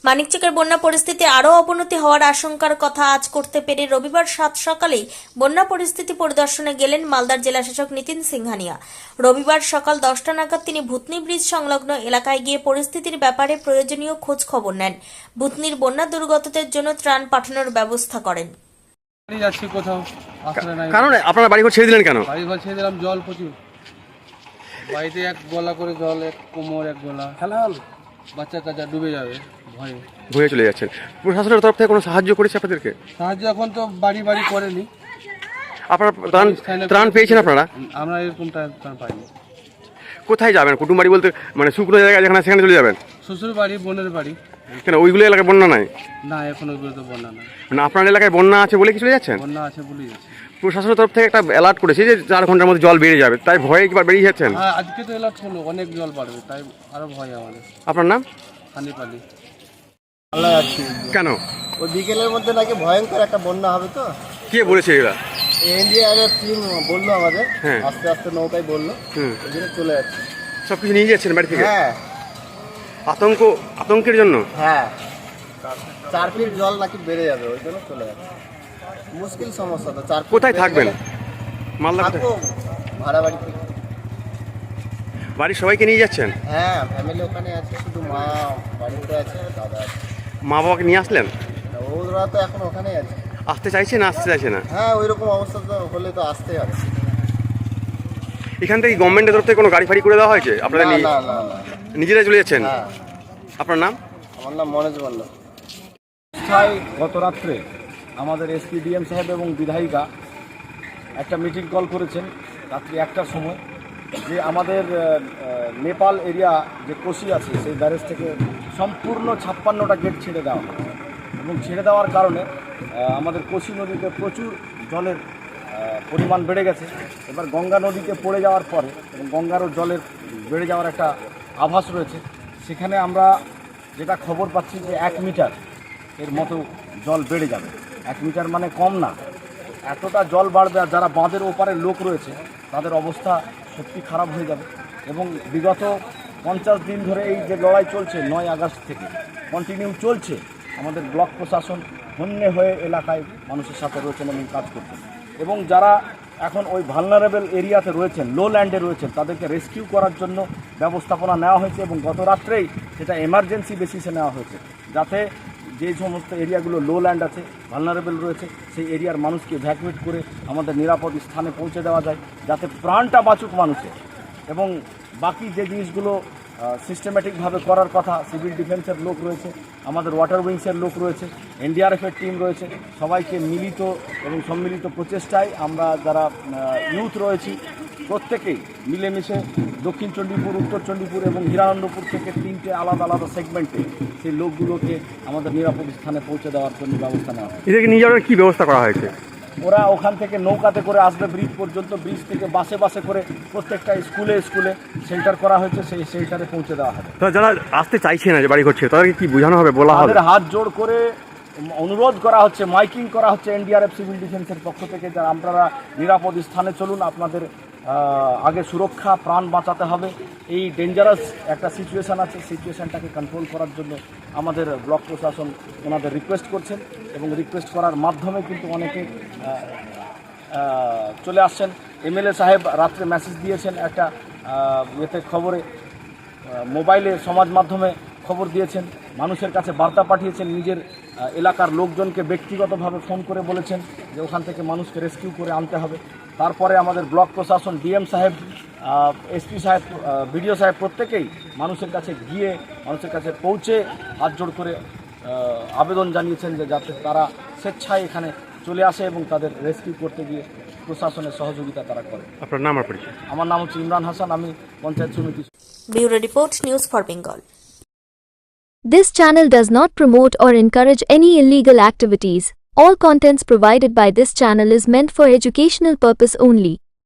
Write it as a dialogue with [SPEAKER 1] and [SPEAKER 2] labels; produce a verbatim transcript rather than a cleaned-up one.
[SPEAKER 1] মানিকচকের বন্যা পরিস্থিতি আরও অবনতি হওয়ার আশঙ্কার কথা আজ করতে পেরে রবিবার সাত সকালেই বন্যা পরিস্থিতি পরিদর্শনে গেলেন মালদার জেলাশাসক নিতিন সিংহানিয়া। রবিবার সকাল দশটা নাগাদ তিনি ভূতনি ব্রিজ সংলগ্ন এলাকায় গিয়ে পরিস্থিতির ব্যাপারে প্রয়োজনীয় খোঁজ খবর নেন। ভূতনির বন্যা দুর্গতদের জন্য ত্রাণ পাঠানোর ব্যবস্থা করেন।
[SPEAKER 2] যাচ্ছি কোথাও আসলে নাই,
[SPEAKER 3] কারণ আপনারা বাড়িঘর ছেড়ে দিলেন কেন?
[SPEAKER 2] বাড়ি ঘর ছেড়ে দিলাম, জল প্রচুর। বাড়িতে এক গলা করে জল, এক কোমর এক গলা, খেলা হল, বাচ্চা কাচ্চা ডুবে যাবে ভয়ে
[SPEAKER 3] ভয়ে চলে যাচ্ছেন। প্রশাসনের তরফ থেকে কোনো সাহায্য করেছে আপনাদেরকে?
[SPEAKER 2] সাহায্য এখন তো বাড়ি বাড়ি করেনি।
[SPEAKER 3] আপনারা ত্রাণ ত্রাণ পেয়েছেন আপনারা?
[SPEAKER 2] আমরা এরকম ত্রাণ পাইনি।
[SPEAKER 3] কোথায় যাবেন? কুটুম বাড়ি বলতে মানে শুকনো জায়গা যেখানে সেখানে চলে যাবেন?
[SPEAKER 2] শ্বশুর বাড়ি, বোনের বাড়ি।
[SPEAKER 3] কেন ওইগুলো এলাকায় বন্যা নাই?
[SPEAKER 2] না, এখন ওইগুলো তো বন্যা নাই।
[SPEAKER 3] মানে আপনার এলাকায় বন্যা আছে বলে কি চলে যাচ্ছেন?
[SPEAKER 2] বন্যা আছে বলেই যাচ্ছে।
[SPEAKER 3] প্রশাসনের তরফ থেকে একটা অ্যালার্ট করেছে যে চার ঘন্টার মধ্যে জল বেড়ে যাবে, তাই ভয়ে একবার বেরিয়ে যাচ্ছেন?
[SPEAKER 2] হ্যাঁ, আজকে তো এলার্ট হলো, অনেক জল বাড়বে, তাই আরো ভয় আমাদের।
[SPEAKER 3] আপনার নাম?
[SPEAKER 2] হানিপালি।
[SPEAKER 3] কেন?
[SPEAKER 4] ওই বিকেলের মধ্যে নাকি ভয়ঙ্কর একটা বন্যা হবে। তো
[SPEAKER 3] কে বলেছে এরা?
[SPEAKER 4] এনডিআরএফ টিম বললো আমাদের,
[SPEAKER 3] হ্যাঁ।
[SPEAKER 4] আস্তে আস্তে নৌকায় বললো,
[SPEAKER 3] হুম।
[SPEAKER 4] ওই জন্য চলে যাচ্ছে।
[SPEAKER 3] সব কিছু নিয়ে যাচ্ছেন বাড়ি থেকে?
[SPEAKER 4] হ্যাঁ
[SPEAKER 3] আতঙ্ক আতঙ্কের জন্য?
[SPEAKER 4] হ্যাঁ, চার ফিট জল নাকি বেড়ে যাবে, ওই জন্য চলে যাচ্ছে। মুশকিল সমস্যা তো। চার ফিট
[SPEAKER 3] কোথায়
[SPEAKER 4] বেড়ে
[SPEAKER 3] থাকবেন?
[SPEAKER 4] গেলে
[SPEAKER 3] মালদা
[SPEAKER 4] থাকবো ভাড়া বাড়িতে।
[SPEAKER 3] বাড়ির সবাইকে নিয়ে যাচ্ছেন?
[SPEAKER 4] হ্যাঁ, ফ্যামিলি ওখানে আছে, শুধু মা বাড়িতে আছে, দাদা আছে।
[SPEAKER 3] মা বাবাকে নিয়ে আসলেন?
[SPEAKER 4] ওরা তো এখন ওখানেই আছে।
[SPEAKER 3] আসতে চাইছে না আসতে চাইছে না?
[SPEAKER 4] হ্যাঁ, ওই রকম অবস্থা তো হলে তো আসতেই হবে।
[SPEAKER 3] এখান থেকে গভর্নমেন্টের তরফ থেকে কোনো গাড়ি ফাড়ি করে দেওয়া হয়েছে আপনারা?
[SPEAKER 4] না
[SPEAKER 3] নিয়ে
[SPEAKER 4] না না না।
[SPEAKER 3] নিজেরাই চলে যাচ্ছেন?
[SPEAKER 4] হ্যাঁ।
[SPEAKER 3] আপনার নাম?
[SPEAKER 4] আমার নাম মনোজ মল্ল।
[SPEAKER 5] গত রাত্রে আমাদের এসপি ডিএম সাহেব এবং বিধায়িকা একটা মিটিং কল করেছেন রাত্রি একটার সময়, যে আমাদের নেপাল এরিয়া যে কোশি আছে সেই ব্যারেজ থেকে সম্পূর্ণ ছাপ্পান্নটা গেট ছেড়ে দেওয়া হয়, এবং ছেড়ে দেওয়ার কারণে আমাদের কোশি নদীতে প্রচুর জলের পরিমাণ বেড়ে গেছে। এবার গঙ্গা নদীতে পড়ে যাওয়ার পরে এবং গঙ্গারও জলের বেড়ে যাওয়ার একটা আভাস রয়েছে। সেখানে আমরা যেটা খবর পাচ্ছি যে এক মিটার এর মতো জল বেড়ে যাবে। এক মিটার মানে কম না, এতটা জল বাড়বে। আর যারা বাঁধের ওপারে লোক রয়েছে তাদের অবস্থা সত্যি খারাপ হয়ে যাবে। এবং বিগত পঞ্চাশ দিন ধরে এই যে লড়াই চলছে, নয় আগস্ট থেকে কন্টিনিউ চলছে, আমাদের ব্লক প্রশাসন হন্যে হয়ে এলাকায় মানুষের সাথে রয়েছেন এবং কাজ করছেন। এবং যারা এখন ওই ভালনারেবল এরিয়াতে রয়েছেন, লো ল্যান্ডে রয়েছেন, তাদেরকে রেস্কিউ করার জন্য ব্যবস্থাপনা নেওয়া হয়েছে। এবং গত রাত্রেই সেটা এমার্জেন্সি বেসিসে নেওয়া হয়েছে, যাতে যে সমস্ত এরিয়াগুলো লো ল্যান্ড আছে, ভালনারেবল রয়েছে, সেই এরিয়ার মানুষকে ভ্যাকুয়েট করে আমাদের নিরাপদ স্থানে পৌঁছে দেওয়া যায়, যাতে প্রাণটা বাঁচুক মানুষের। এবং বাকি যে জিনিসগুলো সিস্টেম্যাটিকভাবে করার কথা, সিভিল ডিফেন্সের লোক রয়েছে, আমাদের ওয়াটার উইংসের লোক রয়েছে, এনডিআরএফের টিম রয়েছে, সবাইকে মিলিত এবং সম্মিলিত প্রচেষ্টায় আমরা যারা ইউথ রয়েছি প্রত্যেকেই মিলেমিশে দক্ষিণ চণ্ডীপুর, উত্তর চণ্ডীপুর এবং হিরানন্দপুর থেকে তিনটে আলাদা আলাদা সেগমেন্টে সেই লোকগুলোকে আমাদের নিরাপদ স্থানে পৌঁছে দেওয়ার জন্য ব্যবস্থা নেওয়া হয়।
[SPEAKER 3] এদেরকে নিয়ে যাওয়ার কী ব্যবস্থা করা হয়েছে?
[SPEAKER 5] ওরা ওখান থেকে নৌকাতে করে আসবে ব্রিজ পর্যন্ত, ব্রিজ থেকে বাসে বাসে করে প্রত্যেকটা স্কুলে স্কুলে শেল্টার করা হয়েছে, সেই শেল্টারে পৌঁছে দেওয়া হবে।
[SPEAKER 3] তো যারা আসতে চাইছে না, যে বাড়ি করছে, তাদেরকে কি বোঝানো হবে, বলা হবে?
[SPEAKER 5] তাদের হাত জোড় করে অনুরোধ করা হচ্ছে, মাইকিং করা হচ্ছে এনডিআরএফ সিভিল ডিফেন্সের পক্ষ থেকে, যারা আপনারা নিরাপদ স্থানে চলুন, আপনাদের আগে সুরক্ষা, প্রাণ বাঁচাতে হবে। এই ডেঞ্জারাস একটা সিচুয়েশান আছে, সিচুয়েশানটাকে কন্ট্রোল করার জন্য আমাদের ব্লক প্রশাসন ওনাদের রিকোয়েস্ট করছেন, এবং রিকোয়েস্ট করার মাধ্যমে কিন্তু অনেকে চলে আসছেন। এমএলএ সাহেব রাত্রে মেসেজ দিয়েছেন, একটা এতে খবরে মোবাইলে সমাজ মাধ্যমে খবর দিয়েছেন, মানুষের কাছে বার্তা পাঠিয়েছেন, নিজের এলাকার লোকজনকে ব্যক্তিগতভাবে ফোন করে বলেছেন যে ওখান থেকে মানুষকে রেস্কিউ করে আনতে হবে। তারপরে আমাদের ব্লক প্রশাসন, ডিএম সাহেব, এসপি সাহেব, বিডিও সাহেব প্রত্যেকেই মানুষের কাছে গিয়ে মানুষের কাছে পৌঁছে হাত জোড় করে আবেদন জানিয়েছেন যে যাতে তারা স্বেচ্ছায় এখানে চলে আসে এবং তাদের রেস্কিউ করতে গিয়ে প্রশাসনের সহযোগিতা তারা করে।
[SPEAKER 3] আপনার নাম আর পরিচয়?
[SPEAKER 5] আমার নাম হচ্ছে ইমরান হাসান, আমি পঞ্চায়েত সমিতি।
[SPEAKER 1] Bureau report, news for Bengal.
[SPEAKER 6] This channel does not promote or encourage any illegal activities. All contents provided by this channel is meant for educational purpose only.